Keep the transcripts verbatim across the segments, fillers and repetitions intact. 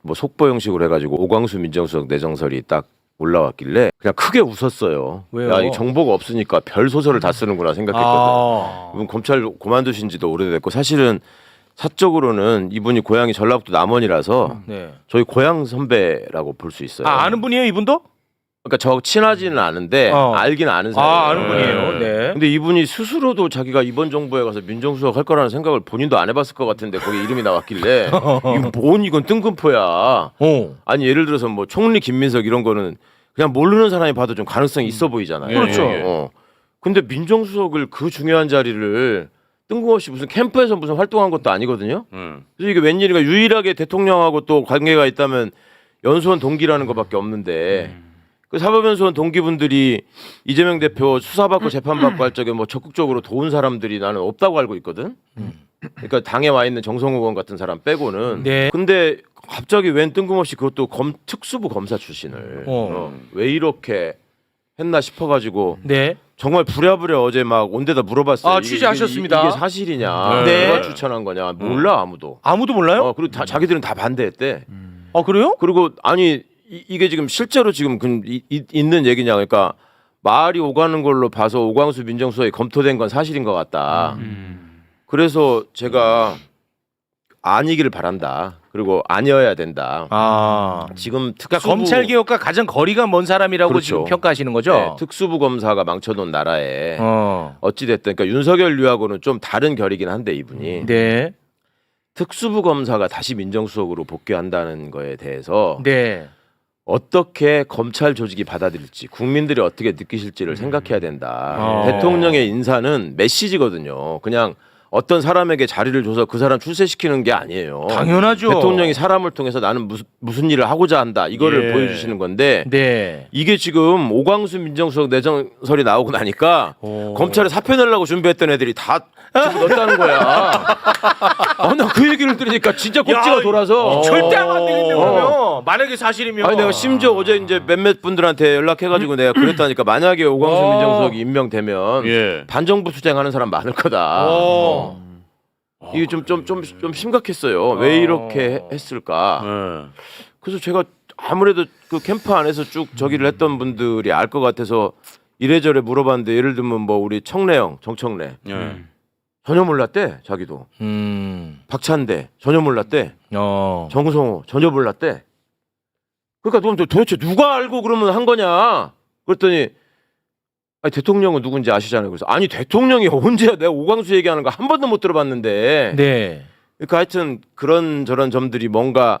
뭐 속보 형식으로 해가지고 오광수 민정수석 내정설이 딱 올라왔길래 그냥 크게 웃었어요. 왜요? 야, 이 정보가 없으니까 별 소설을 다 쓰는구나 생각했거든. 아. 이분 검찰 그만두신 지도 오래됐고 사실은 사적으로는 이분이 고향이 전라북도 남원이라서 네. 저희 고향 선배라고 볼 수 있어요. 아, 아는 분이에요, 이분도? 그러니까 저 친하지는 않은데 어. 알긴 아는 사이예요. 아, 아는 분이에요. 네. 근데 이분이 스스로도 자기가 이번 정부에 가서 민정수석 할 거라는 생각을 본인도 안 해봤을 것 같은데 거기 이름이 나왔길래 이거 뭔 이건 뜬금포야. 어. 아니 예를 들어서 뭐 총리 김민석 이런 거는 그냥 모르는 사람이 봐도 좀 가능성이 있어 보이잖아요. 그렇죠. 예, 예. 어. 근데 민정수석을 그 중요한 자리를 뜬금없이 무슨 캠프에서 무슨 활동한 것도 아니거든요. 음. 그래서 이게 웬일인가 유일하게 대통령하고 또 관계가 있다면 연수원 동기라는 것밖에 없는데 그 사법연수원 동기분들이 이재명 대표 수사받고 재판받고 할 적에 뭐 적극적으로 도운 사람들이 나는 없다고 알고 있거든. 그러니까 당에 와 있는 정성호 의원 같은 사람 빼고는. 네. 근데 갑자기 웬 뜬금없이 그것도 검, 특수부 검사 출신을 어. 어, 왜 이렇게 했나 싶어가지고 네. 정말 부랴부랴 어제 막 온 데다 물어봤어요. 아, 이게- 취재하셨습니다. 이게, 이게 사실이냐? 네. 누가 추천한 거냐? 몰라 아무도. 아무도 몰라요? 어, 그리고 다, 자기들은 다 반대했대. 아, 그래요? 그리고 아니 이, 이게 지금 실제로 지금 그, 이, 이, 있는 얘기냐 그러니까 말이 오가는 걸로 봐서 오광수 민정수석이 검토된 건 사실인 것 같다. 음. 그래서 제가 아니기를 바란다. 그리고 아니어야 된다. 아. 지금 특수부 그러니까 검찰 개혁과 가장 거리가 먼 사람이라고 그렇죠. 지금 평가하시는 거죠? 네, 특수부 검사가 망쳐놓은 나라에 어. 어찌 됐든 그러니까 윤석열류하고는 좀 다른 결이긴 한데 이분이 네. 특수부 검사가 다시 민정수석으로 복귀한다는 거에 대해서 네. 어떻게 검찰 조직이 받아들일지 국민들이 어떻게 느끼실지를 생각해야 된다. 어. 대통령의 인사는 메시지거든요. 그냥 어떤 사람에게 자리를 줘서 그 사람 출세시키는 게 아니에요. 당연하죠. 대통령이 사람을 통해서 나는 무슨 무슨 일을 하고자 한다. 이거를 예. 보여주시는 건데 네. 이게 지금 오광수 민정수석 내정설이 나오고 나니까 오. 검찰에 사표 내려고 준비했던 애들이 다 집어넣었다는 거야. 아, 나 그 얘기를 들으니까 진짜 꼭지가 야, 돌아서 절대 하면 안 되겠네, 어. 그러면. 만약에 사실이면. 아니 내가 심지어 어제 이제 몇몇 분들한테 연락해가지고 내가 그랬다니까 만약에 오광수 어. 민정수석이 임명되면 예. 반정부 투쟁하는 사람 많을 거다. 어. 어. 이게 좀 좀 좀 좀 심각했어요. 왜 이렇게 했을까? 예. 그래서 제가 아무래도 그 캠프 안에서 쭉 저기를 했던 분들이 알 것 같아서 이래저래 물어봤는데 예를 들면 뭐 우리 청래형 정청래 예. 전혀 몰랐대 자기도 음. 박찬대 전혀 몰랐대 어. 정성호 전혀 몰랐대. 그러니까 그럼 도대체 누가 알고 그러면 한 거냐? 그랬더니 아니 대통령은 누군지 아시잖아요. 그래서 아니 대통령이 언제야 내가 오광수 얘기하는 거 한 번도 못 들어봤는데. 네. 그러니까 하여튼 그런 저런 점들이 뭔가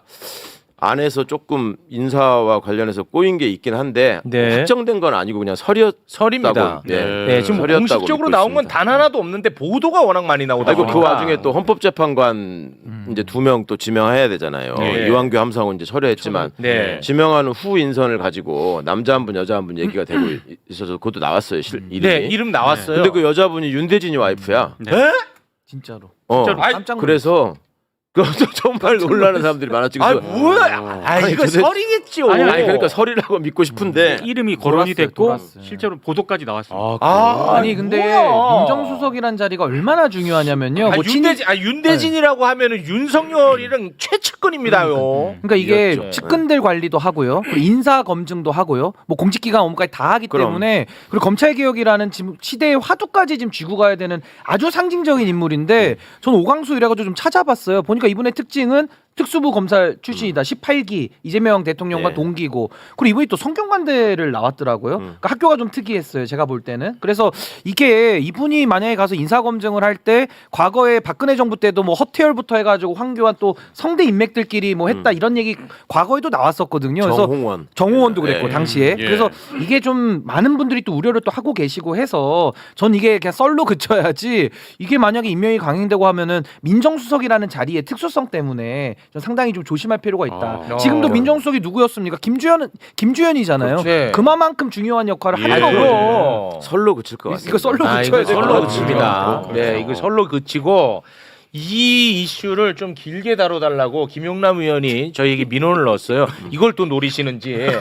안에서 조금 인사와 관련해서 꼬인 게 있긴 한데 네. 확정된 건 아니고 그냥 설이었다고. 설입니다. 예. 네, 지금 설이었다고 공식적으로 믿고 나온 건 있습니다. 단 하나도 없는데 보도가 워낙 많이 나오다 아이고 보니까. 그 와중에 또 헌법재판관 음. 이제 두 명 또 지명해야 되잖아요. 네. 이완규 함상훈 이제 철회했지만 네. 지명하는 후 인선을 가지고 남자 한 분 여자 한 분 얘기가 되고 있어서 그것도 나왔어요. 실, 이름이. 네, 이름 나왔어요. 근데 그 여자분이 윤대진이 와이프야. 네. 에? 진짜로. 어. 진짜로 아이, 깜짝 놀랐어요. 그래서 그것도 정말 놀라는 사람들이 많았지. 아, 그래서 뭐야? 아, 아니, 이거 도대체- 설이겠죠. 아니, 아니 그러니까 설이라고 믿고 싶은데 이름이 거론이 돌았어요, 됐고 돌았어요. 실제로 보도까지 나왔습니다. 아, 아니 근데 뭐야. 민정수석이란 자리가 얼마나 중요하냐면요. 아, 뭐 친이- 윤대진, 아, 윤대진이라고 하면은 윤석열이랑 최측근입니다요. 그러니까 이게 이었죠. 측근들 관리도 하고요, 그리고 인사 검증도 하고요, 뭐 공직기관 업무까지 다 하기 그럼. 때문에 그리고 검찰 개혁이라는 지금 시대의 화두까지 지금 쥐고 가야 되는 아주 상징적인 인물인데 저는 오광수 이래가지고 좀 찾아봤어요. 보니까 이분의 특징은 특수부 검사 출신이다. 십팔 기 이재명 대통령과 네. 동기고 그리고 이분이 또 성균관대를 나왔더라고요. 음. 그러니까 학교가 좀 특이했어요. 제가 볼 때는. 그래서 이게 이분이 만약에 가서 인사검증을 할 때 과거에 박근혜 정부 때도 뭐 허태열부터 해가지고 황교안 또 성대 인맥들끼리 뭐 했다 음. 이런 얘기 과거에도 나왔었거든요. 그래서 정홍원. 정호원도 그랬고 네. 당시에. 예. 그래서 이게 좀 많은 분들이 또 우려를 또 하고 계시고 해서 전 이게 그냥 썰로 그쳐야지 이게 만약에 임명이 강행되고 하면은 민정수석이라는 자리의 특수성 때문에 전 상당히 좀 조심할 필요가 있다. 아. 지금도 어. 민정수석이 누구였습니까? 김주현은 김주현이잖아요. 그렇지. 그만큼 중요한 역할을 예. 하는 거거든요. 그럼. 설로 그칠 것 같습니다. 이거 썰로 아, 그쳐야 이거 될 것 설로 같아요. 그칩니다. 그렇죠. 네, 이거 설로 그치고 이 이슈를 좀 길게 다뤄달라고 김용남 의원이 저희에게 민원을 넣었어요. 이걸 또 노리시는지. 이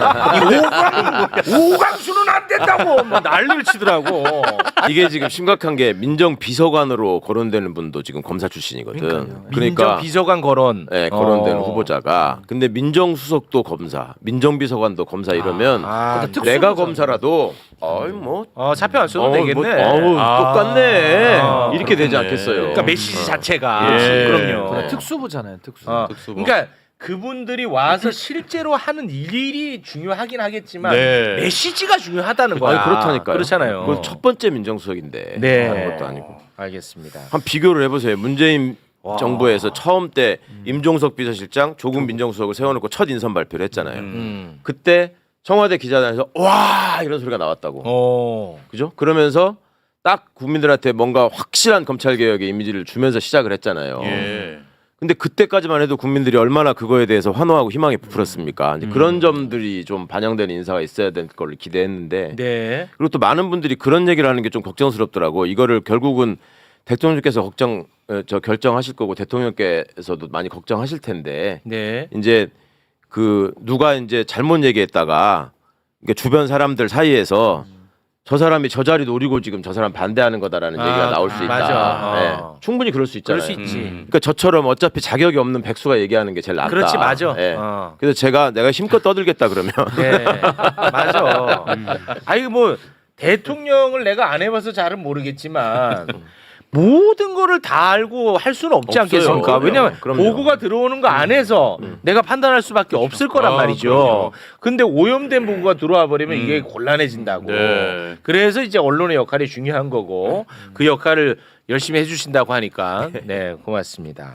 오강, 오강수는 안 된다고 막 난리를 치더라고. 이게 지금 심각한 게 민정비서관으로 거론되는 분도 지금 검사 출신이거든. 민정 그러니까 비서관 거론. 네, 거론되는 어. 후보자가. 근데 민정수석도 검사, 민정비서관도 검사 이러면 아, 특수 내가 검사. 검사라도 어이 뭐 어, 사표 안 써도 어우, 되겠네. 뭐, 어우, 아. 똑같네. 아, 이렇게 되지 그렇네. 않겠어요. 그러니까 메시지 자체가. 예. 그럼요. 그래, 특수부잖아요, 특수. 어, 특수부. 그러니까 그분들이 와서 실제로 하는 일이 중요하긴 하겠지만 네. 메시지가 중요하다는 거야. 아니, 그렇다니까요. 그렇잖아요. 그건 첫 번째 민정수석인데 네. 다른 것도 아니고. 알겠습니다. 한 비교를 해보세요. 문재인 와. 정부에서 처음 때 임종석 비서실장, 조국 민정수석을 세워놓고 첫 인선 발표를 했잖아요. 음. 그때 청와대 기자단에서 와 이런 소리가 나왔다고. 어. 그죠? 그러면서 딱 국민들한테 뭔가 확실한 검찰 개혁의 이미지를 주면서 시작을 했잖아요. 예. 근데 그때까지만 해도 국민들이 얼마나 그거에 대해서 환호하고 희망이 부풀었습니까? 이제 그런 점들이 좀 반영되는 인사가 있어야 될 걸 기대했는데 네. 그리고 또 많은 분들이 그런 얘기를 하는 게 좀 걱정스럽더라고. 이거를 결국은 대통령께서 걱정 어, 저 결정하실 거고 대통령께서도 많이 걱정하실 텐데 네. 이제 그 누가 이제 잘못 얘기했다가 그러니까 주변 사람들 사이에서 저 사람이 저 자리 노리고 지금 저 사람 반대하는 거다라는 아, 얘기가 나올 수 있다. 맞아. 네. 어. 충분히 그럴 수 있잖아요. 그럴 수 있지. 음. 그러니까 저처럼 어차피 자격이 없는 백수가 얘기하는 게 제일 낫다. 그렇지 맞아. 네. 어. 그래서 제가 내가 힘껏 떠들겠다 그러면 네. 맞아. 아니 뭐 대통령을 내가 안 해봐서 잘은 모르겠지만 모든 거를 다 알고 할 수는 없지 없어요. 않겠습니까? 그럼요. 왜냐면 그럼요. 보고가 들어오는 거 안에서 내가 판단할 수밖에 없을 거란 아, 말이죠. 그럼요. 근데 오염된 보고가 들어와 버리면 이게 곤란해진다고. 네. 그래서 이제 언론의 역할이 중요한 거고 그 역할을 열심히 해주신다고 하니까 네 고맙습니다.